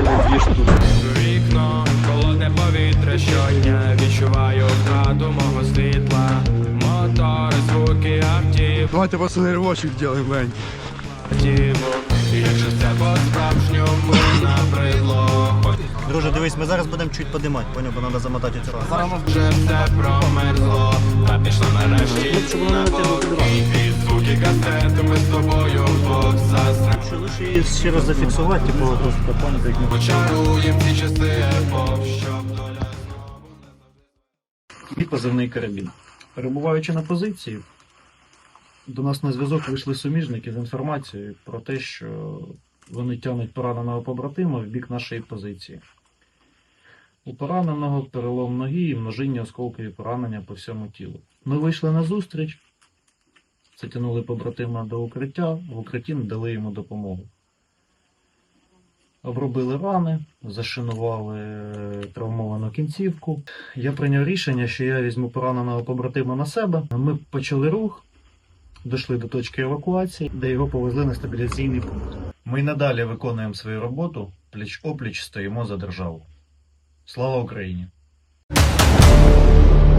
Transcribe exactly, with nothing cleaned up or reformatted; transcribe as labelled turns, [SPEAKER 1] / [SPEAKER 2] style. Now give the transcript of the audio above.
[SPEAKER 1] реальний двіж тут.
[SPEAKER 2] Вікно, холодне повітря щодня, відчуваю втрату мого світла. Мотори, звуки автів.
[SPEAKER 1] Давайте пацани ривочок зробимо, Вень.
[SPEAKER 2] Якщо це по-справжньому набридло.
[SPEAKER 3] Друже, дивись, ми зараз будемо чуть подимати, поняв, бо треба замотати цю раз.
[SPEAKER 2] Вже все промерзло, та пішло нарешті на покій. Під звуки касети ми з тобою вдвох застрем.
[SPEAKER 3] Що лише її ще раз зафіксувати, типу, просто поняти, як ми...
[SPEAKER 2] Почаруєм ці часи епох, щоб доля знову...
[SPEAKER 3] І позивний карабін. Перебуваючи на позиції, до нас на зв'язок вийшли суміжники з інформацією про те, що вони тягнуть пораненого побратима в бік нашої позиції. У пораненого перелом ноги і множинні осколкові поранення по всьому тілу. Ми вийшли на зустріч, затягнули побратима до укриття, в укритті надали йому допомогу. Обробили рани, зашинували травмовану кінцівку. Я прийняв рішення, що я візьму пораненого побратима на себе. Ми почали рух, дійшли до точки евакуації, де його повезли на стабіляційний пункт. Ми й надалі виконуємо свою роботу, пліч-опліч стоїмо за державу. Слава Україні!